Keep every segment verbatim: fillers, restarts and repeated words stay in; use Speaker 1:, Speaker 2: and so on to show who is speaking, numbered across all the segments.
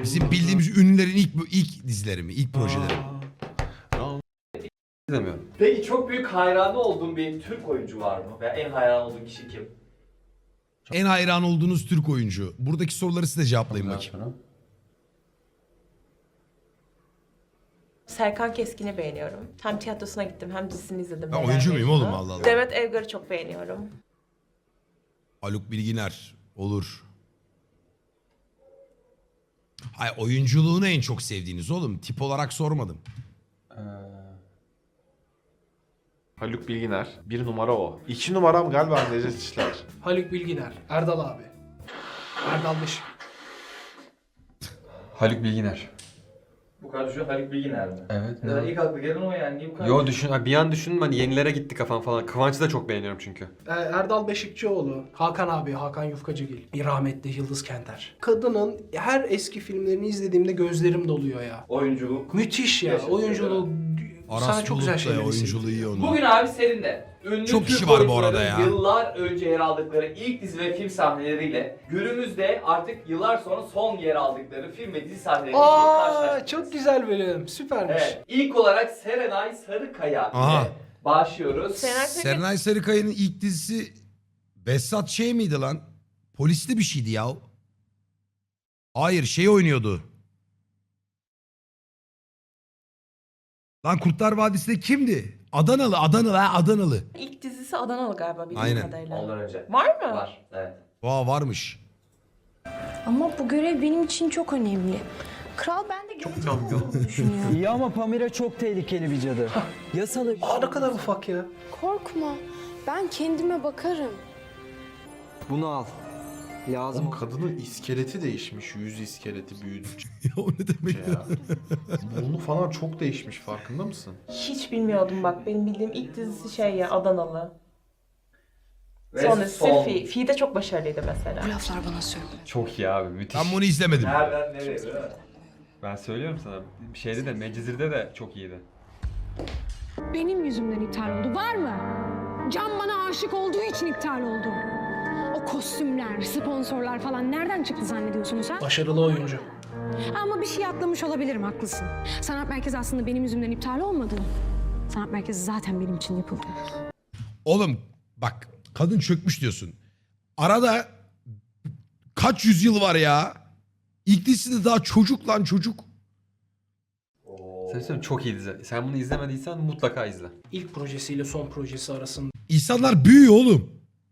Speaker 1: Bizim bildiğimiz ünlülerin ilk ilk dizileri mi? İlk projeleri mi?
Speaker 2: İzlemiyorum.
Speaker 3: Peki çok büyük hayranı olduğun bir Türk oyuncu var mı? Veya en hayran olduğun kişi kim?
Speaker 1: En hayran olduğunuz Türk oyuncu. Buradaki soruları size cevaplayın bakayım.
Speaker 4: Serkan Keskin'i beğeniyorum. Hem tiyatrosuna gittim hem dizisini izledim.
Speaker 1: Ben
Speaker 4: Neler
Speaker 1: oyuncu muyum
Speaker 4: Mecnun'u.
Speaker 1: oğlum, Allah Allah.
Speaker 4: Demet Evgar'ı çok beğeniyorum.
Speaker 1: Haluk Bilginer. Olur. Hayır, oyunculuğunu en çok sevdiğiniz oğlum. Tip olarak sormadım.
Speaker 2: Ee,
Speaker 5: Haluk Bilginer. Bir numara o. İki numaram galiba Necdet İşler.
Speaker 6: Haluk Bilginer, Erdal abi. Erdal Beşik.
Speaker 2: Haluk Bilginer.
Speaker 3: Bu kadar düşün Haluk Bilginer mi?
Speaker 2: Evet.
Speaker 3: Ya ilk aklı gelen o yani. Niye bu kadar
Speaker 2: Yo düşün, ha, bir an düşündüm hani yenilere gitti kafam falan. Kıvanç'ı da çok beğeniyorum çünkü.
Speaker 6: Ee, Erdal Beşikçioğlu, Hakan abi, Hakan Yufkacıgil, rahmetli Yıldız Kenter. Kadının her eski filmlerini izlediğimde gözlerim doluyor ya.
Speaker 3: Oyunculuk.
Speaker 6: Müthiş ya,
Speaker 3: Yaşatıyor,
Speaker 6: oyunculuğu.
Speaker 1: Aras
Speaker 6: Sana çok güzel
Speaker 1: Bulut da
Speaker 6: şeyler
Speaker 1: oyunculuğu iyi onun.
Speaker 3: Bugün abi senin de ünlü
Speaker 1: Çok
Speaker 3: Türk
Speaker 1: kişi var bu
Speaker 3: oyuncuların
Speaker 1: arada ya.
Speaker 3: Yıllar önce yer aldıkları ilk dizi ve film sahneleriyle günümüzde artık yıllar sonra son yer aldıkları film ve dizi sahneleriyle
Speaker 6: Aa,
Speaker 3: karşılaştık.
Speaker 6: çok güzel bölüm, süpermiş.
Speaker 3: Evet. İlk olarak Serenay Sarıkaya
Speaker 1: Aha.
Speaker 3: ile başlıyoruz.
Speaker 4: Serenay Sarıkaya-
Speaker 1: Serenay Sarıkaya'nın ilk dizisi Behzat şey miydi lan? Polisli bir şeydi ya. Hayır, şey oynuyordu. Lan Kurtlar Vadisi'nde kimdi? Adanalı, Adanalı ha, Adanalı.
Speaker 4: İlk dizisi Adanalı galiba bildiğim
Speaker 1: Aynen.
Speaker 4: kadarıyla.
Speaker 3: Ondan önce.
Speaker 4: Var mı?
Speaker 3: Var. Evet.
Speaker 1: Vaa, varmış.
Speaker 7: Ama bu görev benim için çok önemli. Kral ben de gelecek olduğunu düşünüyor.
Speaker 8: İyi ama Pamira çok tehlikeli bir cadı. Yasalı.
Speaker 6: Aa, ne kadar ufak ya.
Speaker 7: Korkma. Ben kendime bakarım.
Speaker 8: Bunu al. Lazım.
Speaker 5: Oğlum kadının iskeleti değişmiş. Yüz iskeleti büyüdü.
Speaker 1: Ya o ne demek ya?
Speaker 5: ya. Burnu falan çok değişmiş, farkında mısın?
Speaker 4: Hiç bilmiyordum bak. Benim bildiğim ilk dizisi şey ya Adanalı.
Speaker 3: Ve
Speaker 4: Sonra
Speaker 3: son.
Speaker 4: Fi. Fi de çok başarılıydı mesela.
Speaker 7: Bu laflar bana söyle.
Speaker 2: Çok iyi abi, müthiş.
Speaker 1: Ben bunu izlemedim.
Speaker 3: Nereden nereye değil mi?
Speaker 2: Ben söylüyorum sana. Bir şeyde de Mecizir'de de çok iyiydi.
Speaker 9: Benim yüzümden iptal oldu. Var mı? Can bana aşık olduğu için iptal oldu. O kostümler, sponsorlar falan nereden çıktı zannediyorsunuz ha?
Speaker 6: Başarılı oyuncu.
Speaker 9: Ama bir şey atlamış olabilirim, haklısın. Sanat merkezi aslında benim yüzümden iptal olmadı. Sanat merkezi zaten benim için yapıldı.
Speaker 1: Oğlum bak, kadın çökmüş diyorsun. Arada kaç yüzyıl var ya? İlk dizisi daha çocuk lan, çocuk.
Speaker 3: Oo.
Speaker 2: Sen söyleyeyim, çok iyi dizi. Sen bunu izlemediysen mutlaka izle.
Speaker 6: İlk projesiyle son projesi arasındaki
Speaker 1: İnsanlar büyüyor oğlum.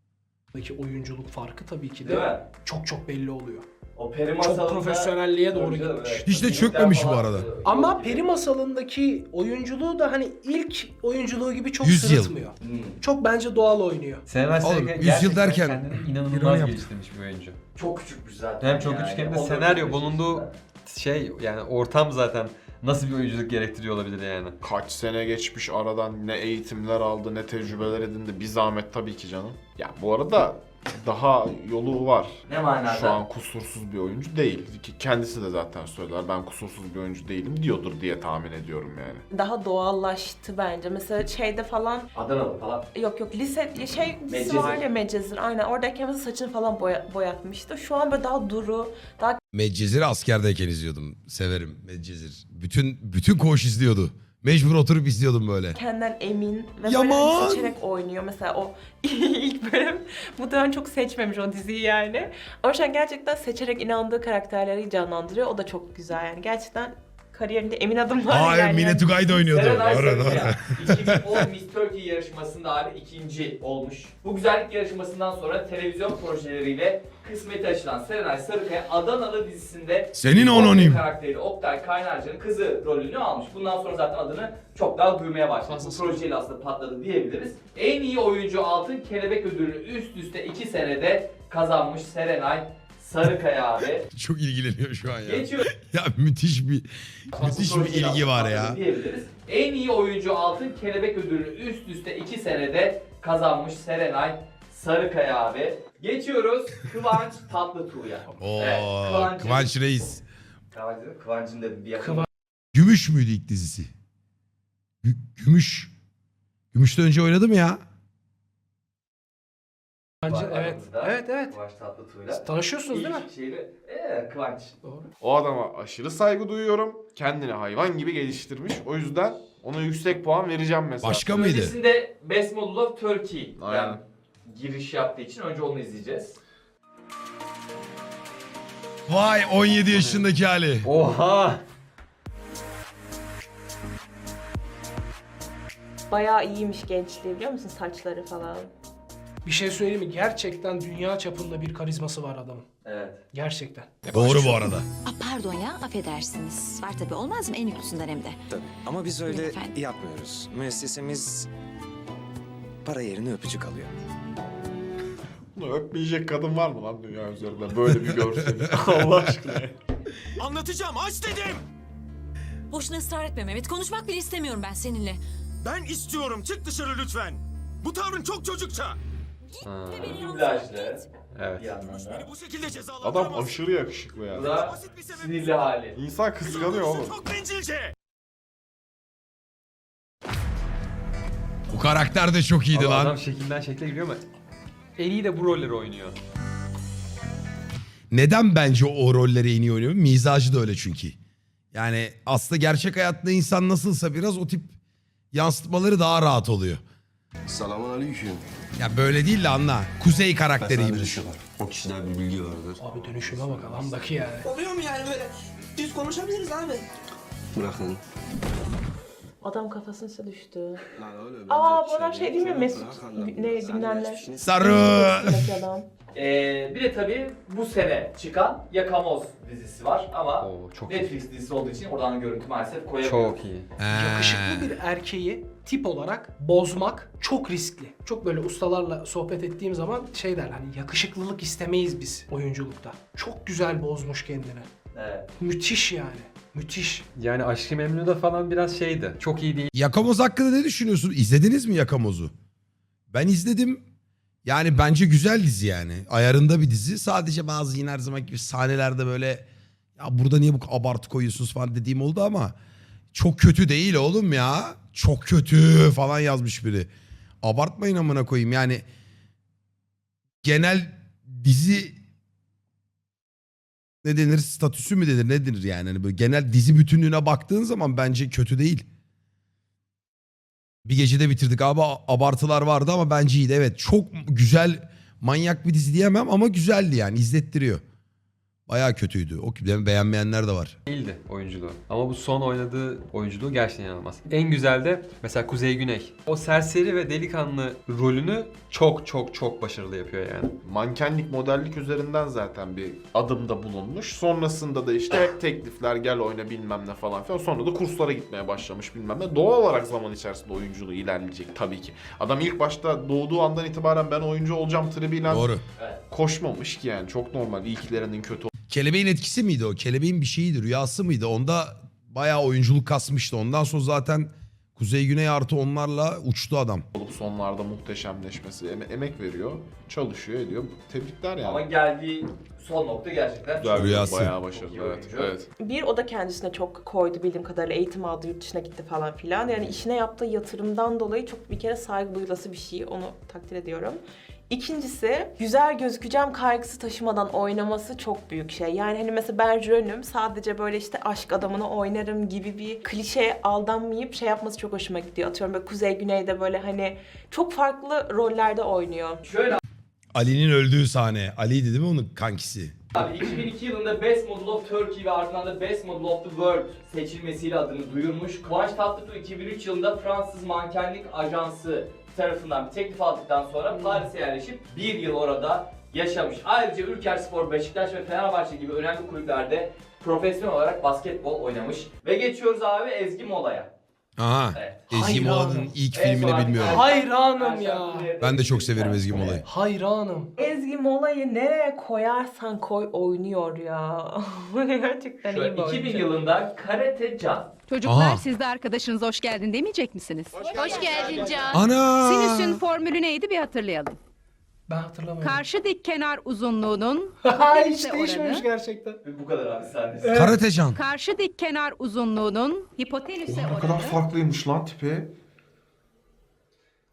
Speaker 6: oyunculuk farkı tabii ki
Speaker 3: Değil
Speaker 6: de
Speaker 3: mi?
Speaker 6: çok çok belli oluyor.
Speaker 3: O peri
Speaker 6: Çok
Speaker 3: masalında...
Speaker 6: profesyonelliğe doğru
Speaker 3: Tabii canım,
Speaker 6: gitmiş.
Speaker 3: evet.
Speaker 1: Hiç de
Speaker 3: Filmler
Speaker 1: çökmemiş bu
Speaker 3: falan-
Speaker 1: arada.
Speaker 6: Ama Peri Masalı'ndaki oyunculuğu da hani ilk oyunculuğu gibi çok
Speaker 1: Yüz yıl.
Speaker 6: sırıtmıyor.
Speaker 3: Hmm.
Speaker 6: Çok bence doğal oynuyor.
Speaker 2: Serenay
Speaker 1: Oğlum,
Speaker 2: Sarıkaya
Speaker 1: yüz yıl
Speaker 2: gerçekten
Speaker 1: derken-
Speaker 2: kendini
Speaker 8: Bir
Speaker 2: inanılmaz
Speaker 8: onu yaptı.
Speaker 2: geliştirmiş bir oyuncu.
Speaker 3: Çok küçükmüş zaten.
Speaker 2: Hem çok
Speaker 3: yani.
Speaker 2: küçük hem de
Speaker 3: on dört
Speaker 2: senaryo
Speaker 3: beş
Speaker 2: bulunduğu
Speaker 3: yaşında.
Speaker 2: şey yani ortam zaten nasıl bir oyunculuk gerektiriyor olabilir yani.
Speaker 5: Kaç sene geçmiş aradan, ne eğitimler aldı, ne tecrübeler edindi. Bir zahmet tabii ki canım. Ya bu arada daha yolu var.
Speaker 3: Ne manada?
Speaker 5: Şu an kusursuz bir oyuncu değil. Ki kendisi de zaten söyler, ben kusursuz bir oyuncu değilim diyordur diye tahmin ediyorum yani.
Speaker 4: Daha doğallaştı bence. Mesela şeyde falan
Speaker 3: Adanalı falan.
Speaker 4: yok yok lise şey dizisi
Speaker 3: Medcezir.
Speaker 4: var ya Medcezir. Aynen oradayken mesela saçını falan boya, boyatmıştı. Şu an böyle daha duru, daha
Speaker 1: Medcezir'i askerdeyken izliyordum. Severim Medcezir. Bütün bütün koğuş izliyordu. Mecbur oturup izliyordum böyle.
Speaker 4: kendinden emin ve
Speaker 1: Yaman!
Speaker 4: böyle hani seçerek oynuyor. Mesela o ilk bölüm bu dönem çok seçmemiş o diziyi yani. Ama şu an gerçekten seçerek inandığı karakterleri canlandırıyor. O da çok güzel yani. Gerçekten kariyerinde emin adımlar
Speaker 1: Hayır,
Speaker 4: yani.
Speaker 1: Mine Tugay da oynuyordu.
Speaker 3: Serenay
Speaker 1: Doğru, doğru.
Speaker 3: Sarıkaya iki bin on Miss Turkey yarışmasında abi ikinci olmuş. Bu güzellik yarışmasından sonra televizyon projeleriyle kısmeti açılan Serenay Sarıkaya Adanalı dizisinde
Speaker 1: Senin
Speaker 3: Oktay
Speaker 1: anonim.
Speaker 3: karakteri Oktay Kaynarca'nın kızı rolünü almış. Bundan sonra zaten adını çok daha duymaya başladı. Bu
Speaker 6: Fazlası.
Speaker 3: projeyle aslında patladı diyebiliriz. En iyi oyuncu altın kelebek ödülünü üst üste iki senede kazanmış Serenay Sarıkaya abi.
Speaker 1: Çok ilgileniyor şu an ya.
Speaker 3: Geçiyor.
Speaker 1: Ya müthiş bir müthiş bir
Speaker 3: Projeyle
Speaker 1: ilgi var ya.
Speaker 3: patladı diyebiliriz. En iyi oyuncu altın kelebek ödülünü üst üste iki senede kazanmış Serenay Sarıkaya abi. Geçiyoruz Kıvanç Tatlıtuğ'ya.
Speaker 1: Oo,
Speaker 3: Kıvanç'ın-
Speaker 1: Kıvanç Reis.
Speaker 3: Kıvanç dedim, Kıvanç'ın dedim bir yakın.
Speaker 6: Kıvanç.
Speaker 1: Gümüş müydü ilk dizisi? Gü- Gümüş. Gümüş'ten önce oynadı mı ya?
Speaker 6: Bence
Speaker 3: Var
Speaker 6: evet.
Speaker 3: aramızda.
Speaker 6: Evet evet.
Speaker 3: Kıvanç Tatlıtuğ'la.
Speaker 6: Tanışıyorsunuz değil mi?
Speaker 3: İlk şeyle, ee, Kıvanç.
Speaker 6: Doğru.
Speaker 5: O adama aşırı saygı duyuyorum. Kendini hayvan gibi geliştirmiş. O yüzden ona yüksek puan vereceğim mesela.
Speaker 1: Başka mıydı?
Speaker 3: Öncesinde Best Model of Turkey.
Speaker 5: Aynen.
Speaker 3: Yani giriş yaptığı için önce onu izleyeceğiz.
Speaker 1: Vay on yedi yaşındaki hali.
Speaker 2: Oha!
Speaker 4: Bayağı iyiymiş gençliği biliyor musun? Saçları falan.
Speaker 6: Bir şey söyleyeyim mi? Gerçekten dünya çapında bir karizması var adamın.
Speaker 3: Evet.
Speaker 6: Gerçekten.
Speaker 1: Doğru bu arada.
Speaker 10: Aa, pardon ya, affedersiniz. Var tabii, olmaz mı? En yüklüsünden hem de.
Speaker 11: Tabii. Ama biz öyle
Speaker 10: Efendim?
Speaker 11: yapmıyoruz. Müessesemiz para yerine öpücük alıyor.
Speaker 5: Bunu öpmeyecek kadın var mı lan dünya üzerinde? Böyle bir görsel. Allah aşkına.
Speaker 11: Anlatacağım, aç dedim!
Speaker 10: Boşuna ısrar etme Mehmet. Konuşmak bile istemiyorum ben seninle.
Speaker 11: Ben istiyorum, çık dışarı lütfen. Bu tavrın çok çocukça.
Speaker 2: Ha,
Speaker 3: Dublajlı.
Speaker 2: evet.
Speaker 3: Bir yandan da.
Speaker 11: Bu şekilde
Speaker 5: Adam
Speaker 11: cezalandıramaz.
Speaker 5: aşırı yakışıklı
Speaker 3: Bu
Speaker 5: ya.
Speaker 3: da sinirli hali.
Speaker 5: İnsan kıskanıyor oğlum.
Speaker 11: Çok bencilce.
Speaker 1: Bu karakter de çok iyiydi
Speaker 2: Ama
Speaker 1: lan.
Speaker 2: adam şekilden şekle giriyor ama en iyi de bu rolleri oynuyor.
Speaker 1: Neden bence o rolleri en iyi oynuyor? Mizacı da öyle çünkü. Yani aslında gerçek hayatta insan nasılsa biraz o tip yansıtmaları daha rahat oluyor.
Speaker 12: Selamun aleyküm.
Speaker 1: Ya böyle değil de anla. Kuzey karakteri gibi.
Speaker 12: O kişiden bir bilgi vardır.
Speaker 6: Abi dönüşüme bak adamdaki yani.
Speaker 8: Oluyor mu yani böyle? Düz konuşabiliriz abi.
Speaker 12: Bırakın.
Speaker 4: Adam kafasına düştü.
Speaker 12: Lan öyle
Speaker 4: Aa bu adam şey değil mi? Mesut ne bilmem ne.
Speaker 1: Sarı.
Speaker 4: Mesut adam.
Speaker 3: Ee, bir de tabii bu sene çıkan Yakamoz dizisi var ama
Speaker 2: Oo, çok iyi.
Speaker 3: Netflix dizisi olduğu için oradan görüntü maalesef koyamıyoruz.
Speaker 2: Çok iyi.
Speaker 6: Yakışıklı bir erkeği tip olarak bozmak çok riskli. Çok böyle ustalarla sohbet ettiğim zaman şey der hani yakışıklılık istemeyiz biz oyunculukta. Çok güzel bozmuş kendini.
Speaker 3: Evet.
Speaker 6: Müthiş yani. Müthiş.
Speaker 2: Yani Aşk-ı Memnu'da falan biraz şeydi. Çok iyi değil.
Speaker 1: Yakamoz hakkında ne düşünüyorsun? İzlediniz mi Yakamoz'u? Ben izledim. Yani bence güzel dizi yani. Ayarında bir dizi. Sadece bazı yine her zaman gibi sahnelerde böyle ya burada niye bu abartı koyuyorsunuz falan dediğim oldu ama çok kötü değil oğlum ya. Çok kötü falan yazmış biri. Abartmayın amına koyayım yani. Genel dizi ne denir statüsü mü denir ne denir yani. Hani böyle genel dizi bütünlüğüne baktığın zaman bence kötü değil. Bir gecede bitirdik abi abartılar vardı ama bence iyiydi. Evet çok güzel manyak bir dizi diyemem ama güzeldi yani izlettiriyor. Bayağı kötüydü. O beğenmeyenler de var.
Speaker 2: Değildi oyunculuğu. Ama bu son oynadığı oyunculuğu gerçekten inanılmaz. En güzel de mesela Kuzey Güney. O serseri ve delikanlı rolünü çok çok çok başarılı yapıyor yani.
Speaker 5: Mankenlik, modellik üzerinden zaten bir adımda bulunmuş. Sonrasında da işte teklifler gel oyna bilmem ne falan filan. Sonra da kurslara gitmeye başlamış bilmem ne. Doğal olarak zaman içerisinde oyunculuğu ilerleyecek tabii ki. Adam ilk başta doğduğu andan itibaren ben oyuncu olacağım tribiyle
Speaker 1: Doğru.
Speaker 5: koşmamış ki yani. Çok normal. İlklerinin kötü
Speaker 1: Kelebeğin etkisi miydi o? Kelebeğin bir şeyiydi, rüyası mıydı? Onda bayağı oyunculuk kasmıştı. Ondan sonra zaten Kuzey Güney artı onlarla uçtu adam.
Speaker 5: olup sonlarda muhteşemleşmesi, em- emek veriyor, çalışıyor, ediyor. Tebrikler yani.
Speaker 3: Ama geldiği son nokta gerçekten
Speaker 5: Güzel,
Speaker 3: çok
Speaker 1: Rüyası.
Speaker 5: bayağı
Speaker 3: Çok
Speaker 5: başarılı.
Speaker 3: iyi
Speaker 5: Evet,
Speaker 3: oyuncu.
Speaker 5: evet.
Speaker 4: Bir o da kendisine çok koydu bildiğim kadarıyla eğitim aldı yurt dışına gitti falan filan. Yani işine yaptığı yatırımdan dolayı çok bir kere saygı duyulası bir şey onu takdir ediyorum. İkincisi güzel gözükeceğim kaygısı taşımadan oynaması çok büyük şey. Yani hani mesela ben Jön'üm sadece böyle işte aşk adamını oynarım gibi bir klişeye aldanmayıp şey yapması çok hoşuma gidiyor. Atıyorum böyle Kuzey Güney'de böyle hani çok farklı rollerde oynuyor.
Speaker 3: Şöyle
Speaker 1: Ali'nin öldüğü sahne. Ali'ydi değil mi onun kankisi?
Speaker 3: abi iki bin iki yılında Best Model of Turkey ve ardından da Best Model of the World seçilmesiyle adını duyurmuş. Kıvanç Tatlıtuğ iki bin üç yılında Fransız mankenlik ajansı tarafından bir teklif aldıktan sonra Paris'e yerleşip bir yıl orada yaşamış. Ayrıca Ülkerspor, Beşiktaş ve Fenerbahçe gibi önemli kulüplerde profesyonel olarak basketbol oynamış. Ve geçiyoruz abi Ezgi Mola'ya.
Speaker 1: Aha.
Speaker 3: Evet.
Speaker 1: Ezgi
Speaker 6: Hayranım.
Speaker 1: Mola'nın ilk
Speaker 3: En son
Speaker 1: filmini
Speaker 3: artık
Speaker 1: bilmiyorum.
Speaker 6: Hayranım ya.
Speaker 1: Ben de çok severim Ezgi Mola'yı.
Speaker 6: Hayranım.
Speaker 4: Ezgi Mola'yı nereye koyarsan koy oynuyor ya. Gerçekten iyi
Speaker 3: Şöyle
Speaker 4: bir oyuncu.
Speaker 3: iki bin yılında Karate Can.
Speaker 9: Çocuklar
Speaker 1: Aha.
Speaker 9: siz de arkadaşınıza hoş geldin demeyecek misiniz?
Speaker 10: Hoş geldin Can.
Speaker 1: Ana!
Speaker 9: Sinüsün formülü neydi bir hatırlayalım.
Speaker 6: Ben hatırlamıyorum.
Speaker 9: Karşı dik kenar uzunluğunun
Speaker 6: Ha hiç
Speaker 9: hipotenüse
Speaker 6: değişmemiş
Speaker 9: oranı.
Speaker 6: gerçekten.
Speaker 3: Bu kadar abi sahnesi.
Speaker 1: Karatecan.
Speaker 9: Karşı dik kenar uzunluğunun hipotenüse
Speaker 5: Ne
Speaker 9: oranı.
Speaker 5: kadar farklıymış lan tipi.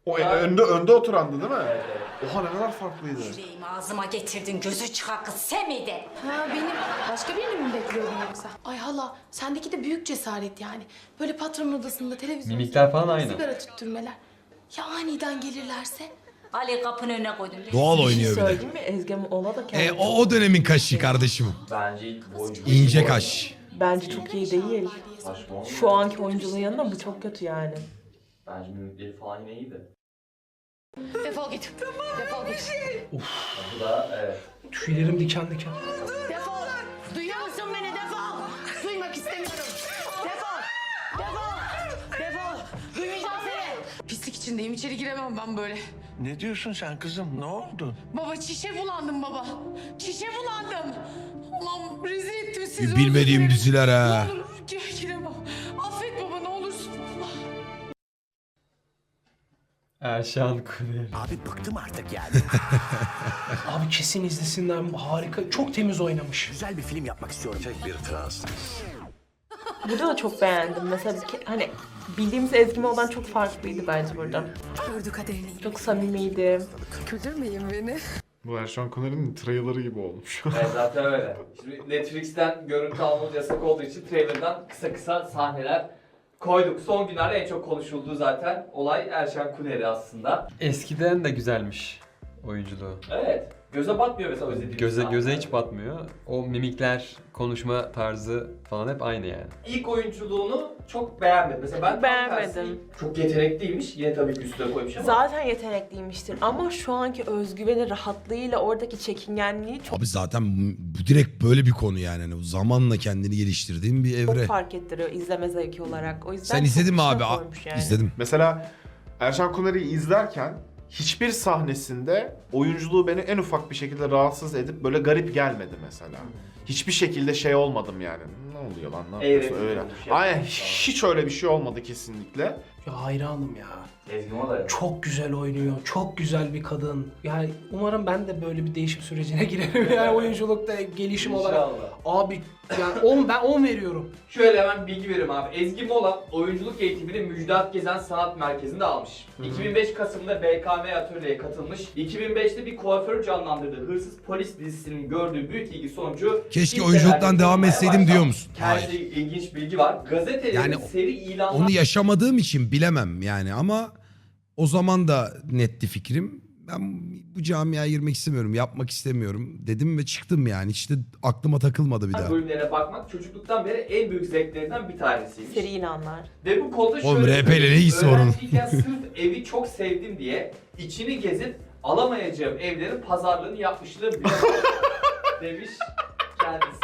Speaker 5: O önde önde oturandı değil mi?
Speaker 3: Evet, evet.
Speaker 5: Oha ne kadar farklıydı.
Speaker 10: Yüreğimi ağzıma getirdin. Gözü çıkar kız sen miydin?
Speaker 7: Ha benim başka birini mi bekliyordun yoksa? Ay hala sendeki de büyük cesaret yani. Böyle patronun odasında televizyon
Speaker 2: Mimikler falan aynı.
Speaker 7: sigara tüttürmeler. Ya aniden gelirlerse?
Speaker 10: Ali kapının önüne koydum.
Speaker 1: Doğal
Speaker 4: Bir şey
Speaker 1: oynuyor bir de.
Speaker 4: söyleyeyim mi? Ezgi ona da kendi
Speaker 1: E, o, o dönemin kaşı kardeşim.
Speaker 3: Bence ilk oyuncu.
Speaker 1: İnce kaş.
Speaker 4: bence çok iyi değil.
Speaker 3: Saçma.
Speaker 4: Şu anki oyunculuğun yanında bu çok kötü yani.
Speaker 3: Bence mimikleri falan yine iyiydi.
Speaker 7: Defol git. Defol git.
Speaker 3: Bu da evet.
Speaker 6: Tüylerim diken diken.
Speaker 7: Defol. Duyuyor musun beni? Defol. Duymak istemiyorum. Defol. Defol. Defol. Duymayacağım seni. Pislik içindeyim. İçeri giremem ben böyle.
Speaker 11: Ne diyorsun sen kızım? Ne oldu?
Speaker 7: Baba çişe bulandım baba. Çişe bulandım. Allah'ım rezil ettim sizi.
Speaker 1: Bilmediğim
Speaker 7: özür dilerim.
Speaker 1: diziler ha.
Speaker 7: Ne olur gi- giremem. Affet baba ne olursun.
Speaker 2: Erşan Kuneri.
Speaker 11: Abi bıktım artık yani.
Speaker 6: Abi kesin izlesinler. Harika. Çok temiz oynamış.
Speaker 11: Güzel bir film yapmak istiyorum. Tek bir Fransız.
Speaker 4: Burada da çok beğendim. Mesela bir ke- hani bildiğimiz Ezgi Mola'dan çok farklıydı bence burada.
Speaker 7: Gördü kaderini.
Speaker 4: Çok samimiydi.
Speaker 7: Kötürmeyin beni.
Speaker 5: Bu Erşan Kuner'in trailer'ı gibi olmuş.
Speaker 3: Evet zaten öyle. Şimdi Netflix'ten görüntü almamız yasak olduğu için trailer'dan kısa kısa sahneler koyduk. Son günlerde en çok konuşulduğu zaten olay Erşan Kuneri aslında.
Speaker 2: Eskiden de güzelmiş oyunculuğu.
Speaker 3: Evet. Göze batmıyor mesela özlediğimiz
Speaker 2: Göze göze
Speaker 3: sahneler.
Speaker 2: hiç batmıyor. O mimikler, konuşma tarzı falan hep aynı yani.
Speaker 3: İlk oyunculuğunu çok beğenmedim. Mesela ben tam
Speaker 4: Beğenmedim.
Speaker 3: tersi çok yetenekliymiş. Yine tabii ki üstüne koymuş ama.
Speaker 4: Zaten yetenekliymiştir ama şu anki özgüveni, rahatlığıyla oradaki çekingenliği çok
Speaker 1: Abi zaten bu, bu direkt böyle bir konu yani. Hani o zamanla kendini geliştirdiğin bir evre.
Speaker 4: çok fark ettiriyor izleme zevki olarak. O yüzden
Speaker 1: Sen
Speaker 4: çok
Speaker 1: izledin mi
Speaker 4: güzel
Speaker 1: abi? A-
Speaker 4: koymuş yani.
Speaker 1: İzledim.
Speaker 5: Mesela Erşan Kuner'i izlerken hiçbir sahnesinde oyunculuğu beni en ufak bir şekilde rahatsız edip böyle garip gelmedi mesela. Hiçbir şekilde şey olmadım yani. Ne oluyor lan? Ne yapıyorsun
Speaker 3: Evet,
Speaker 5: öyle?
Speaker 3: olmuş ya.
Speaker 5: Aynen hiç öyle bir şey olmadı kesinlikle.
Speaker 6: Ya hayranım ya.
Speaker 3: Ezgi Mola.
Speaker 6: Çok güzel oynuyor. Çok güzel bir kadın. Yani umarım ben de böyle bir değişim sürecine girerim yani oyunculukta gelişim olarak.
Speaker 3: İnşallah.
Speaker 6: Abi yani on, ben on veriyorum.
Speaker 3: Şöyle hemen bilgi veriyorum abi. Ezgi Mola oyunculuk eğitimini Müjdat Gezen Sanat Merkezi'nde almış. iki bin beş Kasım'da B K M Atölye'ye katılmış. iki bin beşte bir kuaförü canlandırdığı Hırsız Polis dizisinin gördüğü büyük ilgi sonucu
Speaker 1: Keşke
Speaker 3: ilk
Speaker 1: oyunculuktan
Speaker 3: seferinde
Speaker 1: devam
Speaker 3: bulunmaya
Speaker 1: etseydim
Speaker 3: başlamış.
Speaker 1: diyor musun?
Speaker 3: Kendisi
Speaker 1: Hayır.
Speaker 3: ilginç bilgi var. Gazetelerin
Speaker 1: Yani
Speaker 3: seri ilanlar...
Speaker 1: Onu yaşamadığım için bilemem yani ama o zaman da netti fikrim. Ben bu camiaya girmek istemiyorum, yapmak istemiyorum dedim ve çıktım yani. Hiç de aklıma takılmadı bir daha.
Speaker 3: bölümlerine bakmak çocukluktan beri en büyük zevklerinden bir tanesiymiş.
Speaker 4: Seri ilanlar.
Speaker 3: Ve bu konuda
Speaker 1: Oğlum,
Speaker 3: şöyle
Speaker 1: R P ile ne ilgisi var onun?
Speaker 3: öğrenciyken sırf evi çok sevdim diye içini gezip alamayacağım evlerin pazarlığını yapmışlığım bile var demiş kendisi.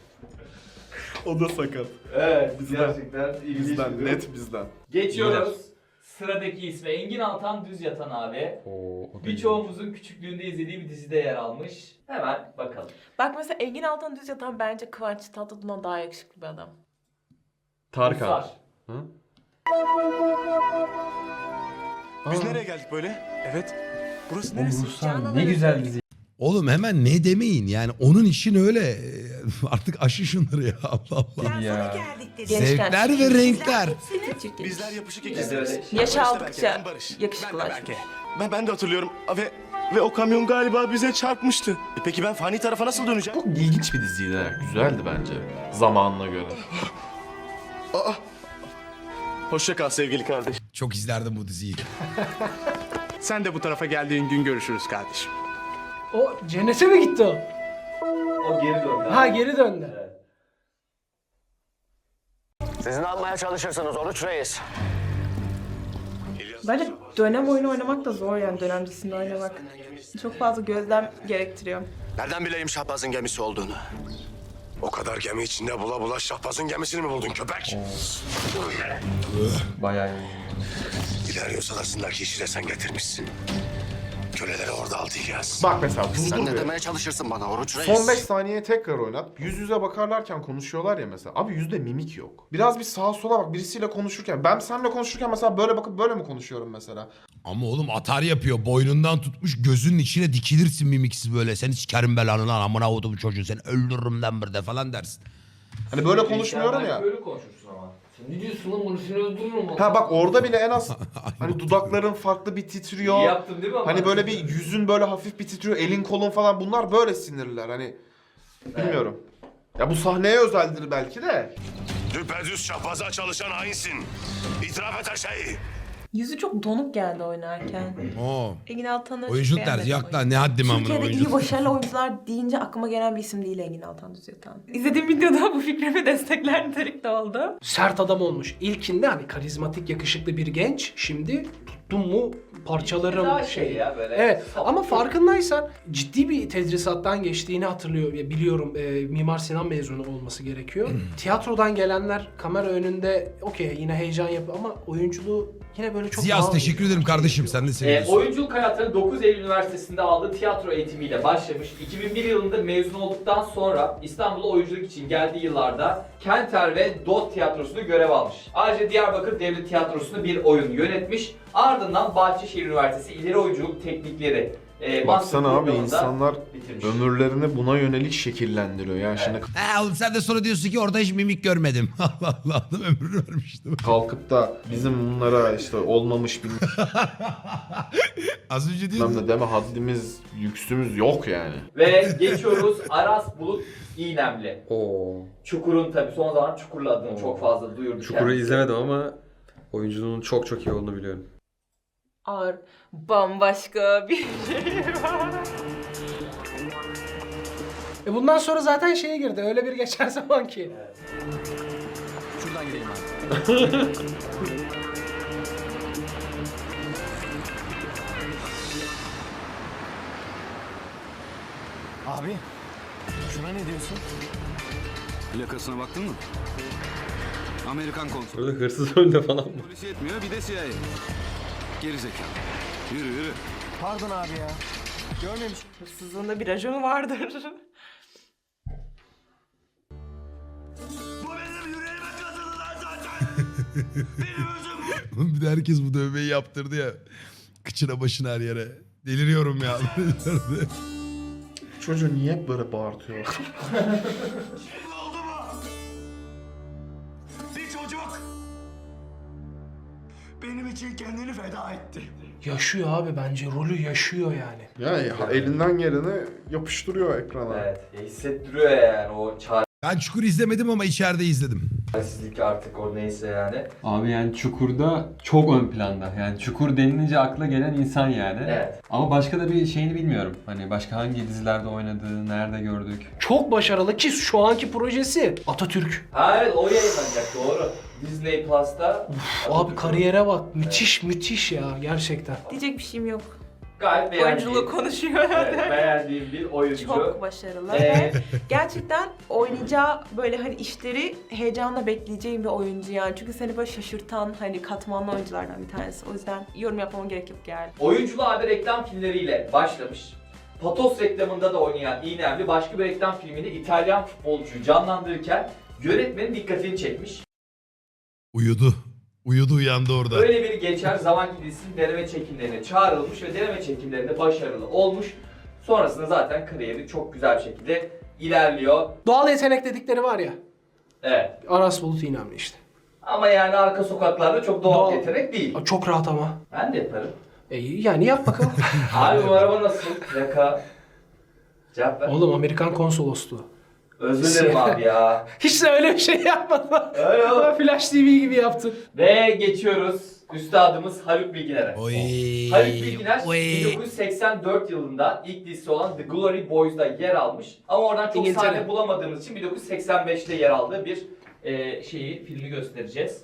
Speaker 5: O da sakat.
Speaker 3: Evet,
Speaker 5: Bizden.
Speaker 3: gerçekten ilginç bir
Speaker 5: Bizden,
Speaker 3: durum.
Speaker 5: net bizden.
Speaker 3: Geçiyoruz. Sıradaki ismi Engin Altan Düz Yatan abi.
Speaker 2: Oo, o da
Speaker 3: Birçoğumuzun küçüklüğünde izlediği bir dizide yer almış. Hemen bakalım.
Speaker 4: Bak mesela Engin Altan Düz Yatan bence Kıvanç Tatlıtuğ'dan daha yakışıklı bir adam.
Speaker 2: Tarkan.
Speaker 3: Ruslar.
Speaker 2: Hı?
Speaker 11: Biz
Speaker 2: Aa.
Speaker 11: nereye geldik böyle? Evet. Burası
Speaker 2: O
Speaker 11: neresi?
Speaker 2: Ruslar ne güzel dizi.
Speaker 1: Oğlum hemen ne demeyin yani onun için öyle. Artık aşı şunları ya Allah Allah.
Speaker 2: Ya.
Speaker 1: Zevkler ve renkler.
Speaker 11: Bizler yapışık
Speaker 3: Evet,
Speaker 11: ikizleriz.
Speaker 3: evet.
Speaker 4: Yaş
Speaker 11: Ben Barış da
Speaker 4: aldıkça
Speaker 11: Berke, ben Barış.
Speaker 4: yakışıklılar.
Speaker 11: Ben de Berke. Ben, ben de hatırlıyorum ve ve o kamyon galiba bize çarpmıştı. E peki ben fani tarafa nasıl döneceğim?
Speaker 5: Çok ilginç bir diziydi. ha. Güzeldi bence. Zamanına göre.
Speaker 11: Aa. Hoşça kal sevgili kardeş.
Speaker 1: Çok izlerdim bu diziyi.
Speaker 11: Sen de bu tarafa geldiğin gün görüşürüz kardeşim.
Speaker 6: O cennete mi gitti o?
Speaker 3: O geri döndü.
Speaker 6: Ha
Speaker 3: abi.
Speaker 6: geri döndü.
Speaker 3: Evet.
Speaker 11: Siz ne yapmaya çalışırsınız Oruç Reis?
Speaker 4: Bence dönem oyunu oynamak da zor yani dönem dizisinde oynamak. Çok fazla gözlem gerektiriyor.
Speaker 11: Nereden bileyim Şahbaz'ın gemisi olduğunu? O kadar gemi içinde bula bula Şahbaz'ın gemisini mi buldun köpek?
Speaker 2: Bayağı iyi.
Speaker 11: İleriyorsa arasındaki işi de sen getirmişsin. Köleleri orada alacağız.
Speaker 5: Bak mesela
Speaker 11: Sen
Speaker 5: durdur
Speaker 11: ne
Speaker 5: bir.
Speaker 11: demeye çalışırsın bana Oruç Reis?
Speaker 5: Son beş saniye tekrar oynat. Yüz yüze bakarlarken konuşuyorlar ya mesela. Abi yüzde mimik yok. Biraz bir sağa sola bak birisiyle konuşurken. Ben seninle konuşurken mesela böyle bakıp böyle mi konuşuyorum mesela?
Speaker 1: Ama oğlum atar yapıyor. Boynundan tutmuş gözünün içine dikilirsin mimiksiz böyle. Seni sikerim belanı lan amına kodumu çocuğu. Seni öldürürüm lan burada falan dersin.
Speaker 5: Hani böyle konuşmuyorum
Speaker 3: Belki
Speaker 5: ya.
Speaker 3: Böyle konuşursun ama. Ne diyorsun lan bunu seni öldürürüm.
Speaker 5: Ha bak orada bile en az hani dudakların farklı bir titriyor.
Speaker 3: İyi yaptım değil mi ama?
Speaker 5: Hani böyle bir yüzün böyle hafif bir titriyor, elin kolun falan bunlar böyle sinirler hani. Bilmiyorum. Ya bu sahneye özeldir belki de.
Speaker 11: Düpedüz şahbaza çalışan hainsin. İtiraf et her şeyi.
Speaker 4: Yüzü çok donuk geldi oynarken.
Speaker 1: Oo.
Speaker 4: Engin Altan'ı
Speaker 1: Oyunculuk
Speaker 4: beğenmedim
Speaker 1: terzi yok
Speaker 4: oyunu.
Speaker 1: lan ne haddim amına
Speaker 4: Türkiye'de iyi
Speaker 1: oyunculuk.
Speaker 4: başarılı oyuncular deyince aklıma gelen bir isim değil Engin Altan Düz Yatan. İzlediğim videoda bu fikrimi destekler nitelikte oldu.
Speaker 6: Sert adam olmuş. İlkinde hani karizmatik, yakışıklı bir genç. Şimdi tuttum mu parçalarım
Speaker 3: Daha
Speaker 6: şey.
Speaker 3: şey ya böyle.
Speaker 6: Evet
Speaker 3: Saf.
Speaker 6: ama farkındaysan ciddi bir tedrisattan geçtiğini hatırlıyor. Ya biliyorum e, Mimar Sinan mezunu olması gerekiyor. Tiyatrodan gelenler kamera önünde okey yine heyecan yapıyor ama oyunculuğu yine böyle çok
Speaker 1: Ziyaz
Speaker 6: daha-
Speaker 1: teşekkür ederim kardeşim sen de
Speaker 3: E,
Speaker 1: seviyorsun.
Speaker 3: oyunculuk hayatını dokuz Eylül Üniversitesi'nde aldığı tiyatro eğitimiyle başlamış. iki bin bir yılında mezun olduktan sonra İstanbul'a oyunculuk için geldiği yıllarda Kenter ve D O T tiyatrosunda görev almış. Ayrıca Diyarbakır Devlet Tiyatrosu'nda bir oyun yönetmiş. Ardından Bahçeşehir Üniversitesi İleri Oyunculuk Teknikleri e,
Speaker 5: Baksana
Speaker 3: master
Speaker 5: abi
Speaker 3: programında
Speaker 5: insanlar
Speaker 3: bitirmiş.
Speaker 5: ömürlerini buna yönelik şekillendiriyor. Yani şimdi
Speaker 1: He oğlum sen de sonra diyorsun ki orada hiç mimik görmedim. Allah Allah adam ömrünü vermiştim.
Speaker 5: kalkıp da bizim bunlara işte olmamış bilmem
Speaker 1: Az önce diyordun.
Speaker 5: ne deme haddimiz, yüksümüz yok yani.
Speaker 3: Ve geçiyoruz Aras Bulut İynemli.
Speaker 2: Oo.
Speaker 3: Çukur'un tabi son zaman Çukur'la adını
Speaker 2: Oo.
Speaker 3: çok fazla duyurdu
Speaker 2: Çukur'u
Speaker 3: kendisi.
Speaker 2: izlemedim ama oyunculuğunun çok çok iyi olduğunu biliyorum.
Speaker 4: Ağır, bambaşka bir şey var.
Speaker 6: E bundan sonra zaten şeye girdi. Öyle bir geçer zaman ki.
Speaker 12: Şuradan gidelim abi. Abi, şuna ne diyorsun? Plakasına baktın mı? Amerikan konsolu.
Speaker 2: Burada hırsız önde falan mı?
Speaker 12: Polis yetmiyor, bir de C I A. Geri zekalı. Yürü yürü. Pardon abi ya. Görmemiş.
Speaker 4: Hırsızlığında bir rajonu vardır.
Speaker 11: Bu benim yüreğime kazıdı lan zaten. Benim özüm bu.
Speaker 1: Bir de herkes bu dövmeyi yaptırdı ya. Kıçına başına her yere. Deliriyorum ya.
Speaker 5: Çocuğu niye hep böyle bağırtıyor?
Speaker 11: Şimdi oldu mu? Bir çocuk benim için kendini feda etti.
Speaker 6: Yaşıyor abi bence. Rolü yaşıyor yani.
Speaker 5: Yani elinden geleni yapıştırıyor ekrana.
Speaker 3: Evet, ya hissettiriyor yani o
Speaker 1: Ben Çukur izlemedim ama içeride izledim.
Speaker 3: çaresizlik artık o neyse yani.
Speaker 2: Abi yani Çukur'da çok ön planda. Yani Çukur denilince akla gelen insan yani.
Speaker 3: Evet.
Speaker 2: Ama başka da bir şeyini bilmiyorum. Hani başka hangi dizilerde oynadığı, nerede gördük.
Speaker 6: Çok başarılı ki şu anki projesi Atatürk.
Speaker 3: Ha evet o yayınlanacak doğru. Disney Plus'ta.
Speaker 6: Abi kariyere bak. Müthiş müthiş ya gerçekten.
Speaker 4: Diyecek bir şeyim yok.
Speaker 3: Gayet beğendiğim.
Speaker 4: Oyunculuğu konuşuyor.
Speaker 3: Evet, beğendiğim bir oyuncu.
Speaker 4: Çok başarılı
Speaker 3: Ee,
Speaker 4: ve gerçekten oynayacağı böyle hani işleri heyecanla bekleyeceğim bir oyuncu yani. Çünkü seni böyle şaşırtan hani katmanlı oyunculardan bir tanesi. O yüzden yorum yapmama gerek yok yani.
Speaker 3: Oyunculuğa abi reklam filmleriyle başlamış. Patos reklamında da oynayan İynemli başka bir reklam filminde İtalyan futbolcuyu canlandırırken yönetmenin dikkatini çekmiş.
Speaker 1: Uyudu. Uyudu uyandı orada.
Speaker 3: Öyle bir geçer zaman dizisinin deneme çekimlerine çağrılmış ve deneme çekimlerinde başarılı olmuş. Sonrasında zaten kariyeri çok güzel bir şekilde ilerliyor.
Speaker 6: Doğal yetenek dedikleri var ya.
Speaker 3: Evet.
Speaker 6: Aras Bulut İynemli işte.
Speaker 3: Ama yani arka sokaklarda çok doğal,
Speaker 6: Doğal.
Speaker 3: yetenek değil.
Speaker 6: Çok rahat ama.
Speaker 3: Ben de yaparım.
Speaker 6: E, yani yap bakalım.
Speaker 3: Abi bu araba nasıl? Plaka. Cevap ver.
Speaker 6: Oğlum Amerikan konsolosluğu.
Speaker 3: Özür dilerim abi ya.
Speaker 6: Hiç de öyle bir şey yapmadın.
Speaker 3: Öyle oğlum.
Speaker 6: Flash T V gibi yaptın.
Speaker 3: Ve geçiyoruz üstadımız Haluk Bilginer'e.
Speaker 1: Oy.
Speaker 3: Haluk Bilginer
Speaker 1: Oy.
Speaker 3: bin dokuz yüz seksen dört yılında ilk dizisi olan The Glory Boys'da yer almış. Ama oradan çok
Speaker 6: İngiltere.
Speaker 3: sahne bulamadığımız için bin dokuz yüz seksen beşte yer aldığı bir e, şeyi, filmi göstereceğiz.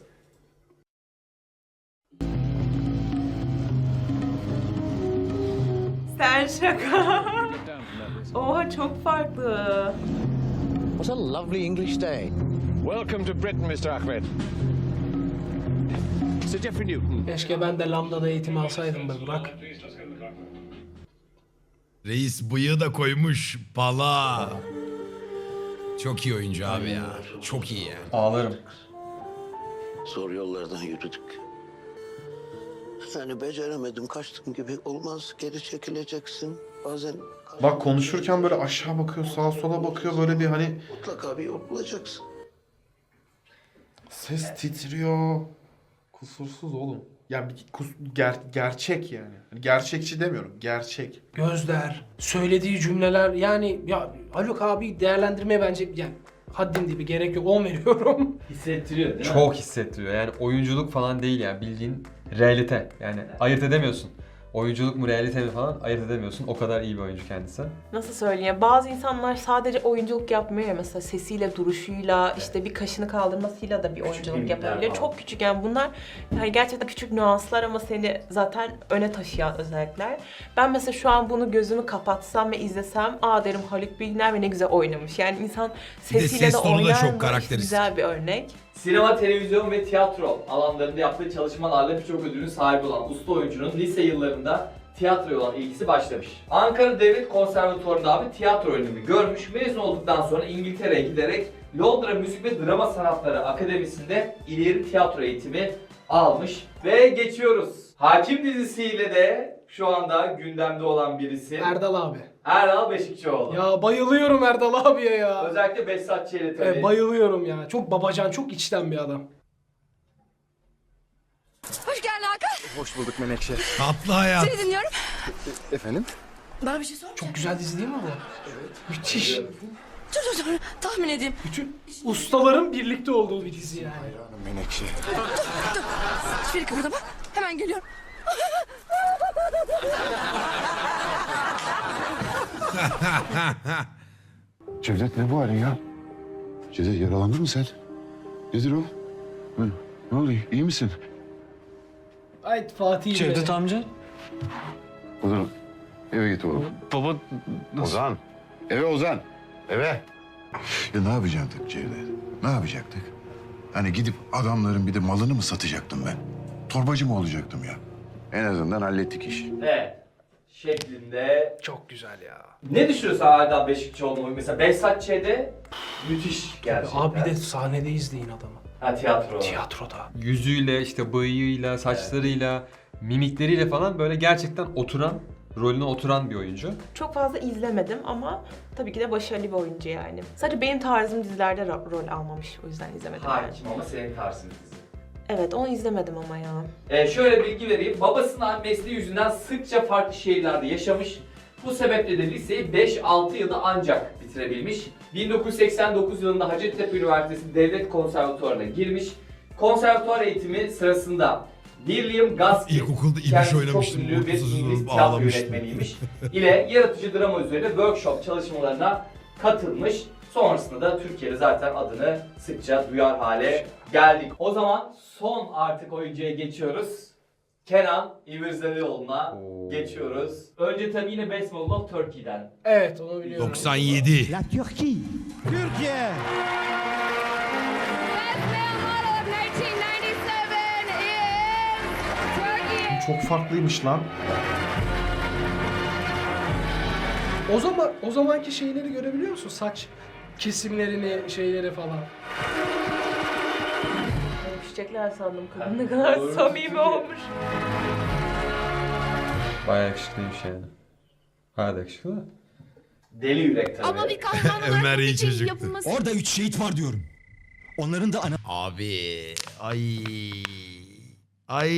Speaker 4: Sen şaka. Oha çok farklı.
Speaker 13: What a lovely English day. Welcome to Britain, mister Ahmed. Sir Geoffrey Newton.
Speaker 6: Keşke ben de Lambda'da eğitim alsaydım be Burak.
Speaker 1: Reis bıyığı da koymuş. Bala. Çok iyi oyuncu abi ya. Çok iyi ya.
Speaker 2: Ağlarım.
Speaker 13: Zor yollardan yürüdük. Yani beceremedim, kaçtım gibi olmaz. Geri çekileceksin. Bazen
Speaker 5: Bak konuşurken böyle aşağı bakıyor, sağa sola bakıyor böyle bir hani
Speaker 13: mutlaka bir yol bulacaksın.
Speaker 5: Ses titriyor. Kusursuz oğlum. Ya bir kus- ger- gerçek yani. Hani gerçekçi demiyorum. Gerçek.
Speaker 6: Gözler, söylediği cümleler yani ya Haluk abi değerlendirmeye bence yani haddim dibi gerek yok. on veriyorum.
Speaker 3: Hissettiriyor değil mi?
Speaker 2: Çok hissettiriyor. Yani oyunculuk falan değil yani bildiğin realite. Yani ayırt edemiyorsun. Oyunculuk mu realite mi falan ayırt edemiyorsun. O kadar iyi bir oyuncu kendisi.
Speaker 4: Nasıl söyleyeyim? Bazı insanlar sadece oyunculuk yapmıyor ya, mesela sesiyle, duruşuyla, işte bir kaşını kaldırmasıyla da bir oyunculuk
Speaker 3: mimikler
Speaker 4: yapabiliyor.
Speaker 3: falan.
Speaker 4: Çok küçük yani bunlar yani gerçekten küçük nüanslar ama seni zaten öne taşıyan özellikler. Ben mesela şu an bunu gözümü kapatsam ve izlesem aa derim Haluk Bilginer ve ne güzel oynamış. Yani insan
Speaker 1: de
Speaker 4: sesiyle de,
Speaker 1: ses tonu da
Speaker 4: oynar
Speaker 1: çok
Speaker 4: mı?
Speaker 1: karakteristik.
Speaker 4: Güzel bir örnek.
Speaker 3: Sinema, televizyon ve tiyatro alanlarında yaptığı çalışmalarla birçok ödülün sahibi olan usta oyuncunun lise yıllarında tiyatroya olan ilgisi başlamış. Ankara Devlet Konservatuvarı'nda abi tiyatro öğrenimi görmüş. Mezun olduktan sonra İngiltere'ye giderek Londra Müzik ve Drama Sanatları Akademisi'nde ileri tiyatro eğitimi almış. Ve geçiyoruz. Hakim dizisiyle de şu anda gündemde olan birisi.
Speaker 6: Erdal abi.
Speaker 3: Erdal Beşikçioğlu.
Speaker 6: Ya bayılıyorum Erdal abiye ya.
Speaker 3: Özellikle Behzat Ç'yle tabii.
Speaker 6: Evet, bayılıyorum ya. Çok babacan, çok içten bir adam.
Speaker 7: Hoş geldin Hakan.
Speaker 12: Hoş bulduk Menekşe.
Speaker 1: Tatlı hayat.
Speaker 7: Seni dinliyorum.
Speaker 12: Efendim?
Speaker 7: Bana bir şey sor.
Speaker 6: Çok güzel dizi değil mi bu? Müthiş.
Speaker 7: Dur dur dur. Tahmin edeyim.
Speaker 6: Bütün ustaların birlikte olduğu bir dizi yani.
Speaker 12: Menekşe.
Speaker 7: Hiçbir yere kıpırdama. Hemen geliyorum.
Speaker 11: Cevdet ne bu halin ya? Cevdet yaralandın mı sen? Nedir o? Hı? Ne oluyor? İyi misin?
Speaker 6: Ay Fatih
Speaker 12: Cevdet
Speaker 6: be.
Speaker 12: amca.
Speaker 11: Ozan eve git oğlum.
Speaker 12: Baba nasıl?
Speaker 11: Ozan. Eve Ozan. Eve. Ya ne yapacaktık Cevdet? Ne yapacaktık? Hani gidip adamların bir de malını mı satacaktım ben? Torbacı mı olacaktım ya? En azından hallettik işi.
Speaker 3: Evet. Şeklinde.
Speaker 6: Çok güzel ya.
Speaker 3: Ne düşünüyorsun Erdal Beşikçioğlu'nun? Mesela Behzat Ç'de müthiş gerçekten.
Speaker 6: Abi bir de sahnede izleyin adamı.
Speaker 3: Ha tiyatro.
Speaker 6: Tiyatroda.
Speaker 2: Yüzüyle, işte bıyığıyla, saçlarıyla, mimikleriyle falan böyle gerçekten oturan, rolüne oturan bir oyuncu.
Speaker 4: Çok fazla izlemedim ama tabii ki de başarılı bir oyuncu yani. Sadece benim tarzım dizilerde ro- rol almamış, o yüzden izlemedim yani.
Speaker 3: Hakim ama senin tarzın dizi.
Speaker 4: Evet, onu izlemedim ama ya.
Speaker 3: Ee, şöyle bilgi vereyim. Babasının mesleği yüzünden sıkça farklı şehirlerde yaşamış. Bu sebeple de liseyi beş altı yılda ancak bitirebilmiş. bin dokuz yüz seksen dokuz yılında Hacettepe Üniversitesi Devlet Konservatuvarı'na girmiş. Konservatuvar eğitimi sırasında William Gaskill,
Speaker 1: İlkokulda İbiş
Speaker 3: kendisi çok
Speaker 1: oynamıştım,
Speaker 3: ünlü bir
Speaker 1: ortasız
Speaker 3: İngiliz
Speaker 1: olup
Speaker 3: tiyatro
Speaker 1: ağlamıştım.
Speaker 3: yönetmeniymiş, ile yaratıcı drama üzerine workshop çalışmalarına katılmış. Sonrasında da Türkiye'de zaten adını sıkça duyar hale geldik. O zaman son artık oyuncuya geçiyoruz. Kenan İmirzalıoğlu'na
Speaker 2: Oo.
Speaker 3: geçiyoruz. Önce tabii yine Best Model of Turkey'den.
Speaker 6: Evet onu biliyorum.
Speaker 1: doksan yedi.
Speaker 12: La Türkiye. Türkiye.
Speaker 5: Çok farklıymış lan.
Speaker 6: O zaman o zamanki şeyleri görebiliyor musun? Saç kesimlerini, şeyleri falan.
Speaker 4: Öpüşecekler sandım, kadın ne kadar
Speaker 3: Doğru.
Speaker 4: samimi olmuş.
Speaker 2: Bayağı yakışıklıymış yani. Bayağı da yakışıklı da.
Speaker 3: Deli Yürek tabii.
Speaker 7: Ama bir kahraman olarak
Speaker 1: Ömer
Speaker 7: bu
Speaker 1: iyi
Speaker 7: gecenin
Speaker 1: çocuktu.
Speaker 7: yapılması
Speaker 12: Orada üç şehit var diyorum. Onların da ana...
Speaker 1: Abi. Ay. Ay.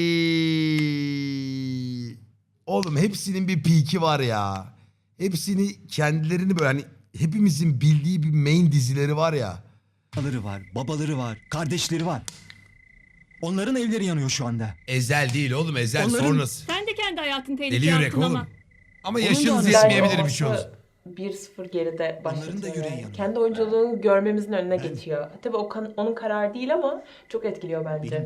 Speaker 1: Oğlum hepsinin bir peak'i var ya. Hepsini kendilerini böyle hani hepimizin bildiği bir main dizileri var ya.
Speaker 12: Anaları var, babaları var, kardeşleri var. Onların evleri yanıyor şu anda.
Speaker 1: Ezel değil oğlum, Ezel
Speaker 12: Onların-
Speaker 1: sonrası.
Speaker 10: Sen de kendi hayatın
Speaker 1: Deli
Speaker 10: tehlikeye
Speaker 1: yürek
Speaker 10: attın ama.
Speaker 1: oğlum. Ama
Speaker 12: Onun da
Speaker 1: yaşınız
Speaker 12: anası-
Speaker 1: yetmeyebilir bir şey olsun.
Speaker 4: bir sıfır geride başlatıyor.
Speaker 12: da yüreği
Speaker 4: yani.
Speaker 12: yanıyor.
Speaker 4: Kendi oyunculuğunu görmemizin önüne geçiyor. Tabii o kan- onun kararı değil ama çok etkiliyor bence.
Speaker 12: Benim de.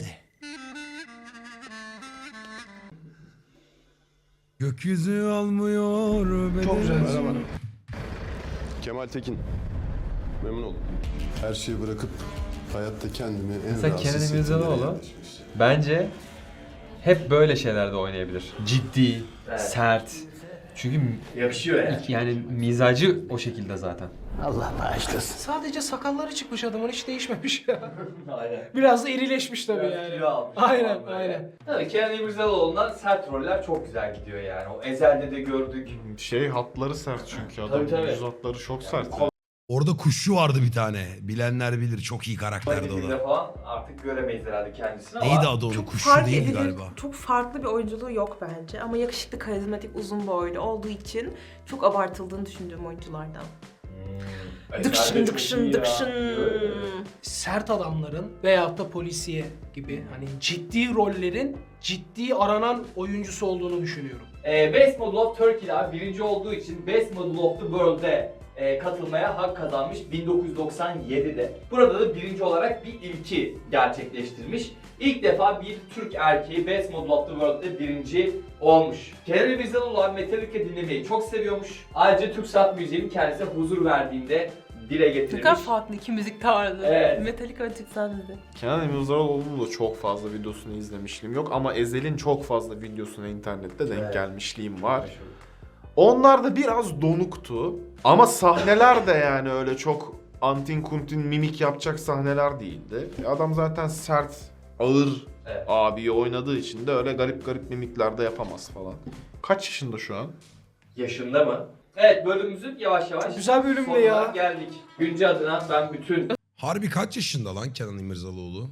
Speaker 1: Gökyüzü almıyor beni.
Speaker 6: Çok güzel.
Speaker 11: Kemal Tekin. Memnun oldum. Her şeyi bırakıp hayatta kendimi en
Speaker 2: Mesela
Speaker 11: rahatsız
Speaker 2: Kenan
Speaker 11: hissettiğim
Speaker 2: İmirzalıoğlu
Speaker 11: yere yerleşmiş.
Speaker 2: bence hep böyle şeylerde oynayabilir. Ciddi,
Speaker 3: Evet.
Speaker 2: sert. Çünkü
Speaker 3: Yakışıyor yani.
Speaker 2: yani mizacı o şekilde zaten.
Speaker 12: Allah bağışlasın.
Speaker 6: Sadece sakalları çıkmış adamın, hiç değişmemiş ya.
Speaker 3: Aynen.
Speaker 6: Biraz da irileşmiş tabii
Speaker 3: Biraz
Speaker 6: yani.
Speaker 3: kilo almış
Speaker 6: Aynen,
Speaker 3: falan böyle.
Speaker 6: aynen.
Speaker 3: Tabii Kenan İmirzalıoğlu'ndan sert roller çok güzel gidiyor yani. O Ezel'de de gördük.
Speaker 5: Şey hatları sert çünkü
Speaker 3: Tabii,
Speaker 5: adamın
Speaker 3: tabii.
Speaker 5: yüz hatları çok sert.
Speaker 1: Orada kuşçu vardı bir tane. Bilenler bilir. Çok iyi karakterdi o
Speaker 3: Komedide
Speaker 1: da.
Speaker 3: falan artık artık göremeyiz herhalde kendisini ama...
Speaker 1: Neydi adı onun?
Speaker 4: Çok
Speaker 1: Kuşçu
Speaker 4: fark
Speaker 1: değildi
Speaker 4: edilir,
Speaker 1: galiba.
Speaker 4: çok farklı bir oyunculuğu yok bence. Ama yakışıklı, karizmatik, uzun boylu olduğu için çok abartıldığını düşündüğüm oyunculardan.
Speaker 3: Ezel de
Speaker 4: Dıkşın
Speaker 3: çok iyi
Speaker 4: dıkşın
Speaker 3: ya.
Speaker 4: dıkşın.
Speaker 3: Evet.
Speaker 6: Sert adamların veyahut da polisiye gibi hani ciddi rollerin ciddi aranan oyuncusu olduğunu düşünüyorum.
Speaker 3: Ee, Best Model of Turkey'de abi birinci olduğu için Best Model of the World'e e, katılmaya hak kazanmış bin dokuz yüz doksan yedide. Burada da birinci olarak bir ilki gerçekleştirmiş. İlk defa bir Türk erkeği Best Model of the World'de birinci olmuş. Kenan İmirzalıoğlu abi Metallica dinlemeyi çok seviyormuş. Ayrıca Türk sanat müziğinin kendisine huzur verdiğinde dile
Speaker 4: Ne
Speaker 3: getirmiş.
Speaker 4: kadar farklı iki müzik tarzı.
Speaker 3: Evet.
Speaker 4: Metallica ve Türk sahnesi.
Speaker 5: Kenan İmirzalıoğlu'nun da çok fazla videosunu izlemişliğim yok ama Ezel'in çok fazla videosuna internette denk
Speaker 3: Evet.
Speaker 5: gelmişliğim var. Onlar da biraz donuktu ama sahneler de yani öyle çok antin kuntin mimik yapacak sahneler değildi. Adam zaten sert, ağır
Speaker 3: Evet.
Speaker 5: abiyi oynadığı için de öyle garip garip mimikler de yapamaz falan. Kaç yaşında şu an?
Speaker 3: Yaşında mı? Evet, bölümümüzün yavaş yavaş
Speaker 6: Çok güzel bölümdü
Speaker 3: sonuna
Speaker 6: ya.
Speaker 3: geldik. Günce adına ben bütün
Speaker 1: Harbi kaç yaşında lan Kenan İmirzalıoğlu?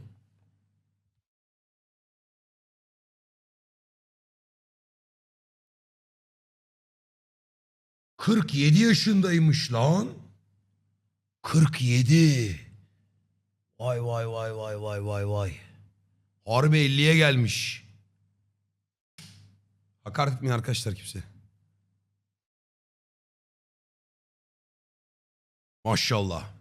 Speaker 1: kırk yedi yaşındaymış lan. kırk yedi. Vay vay vay vay vay vay vay. Harbi elliye gelmiş. Hakaret etmeyin arkadaşlar kimse. Maşallah.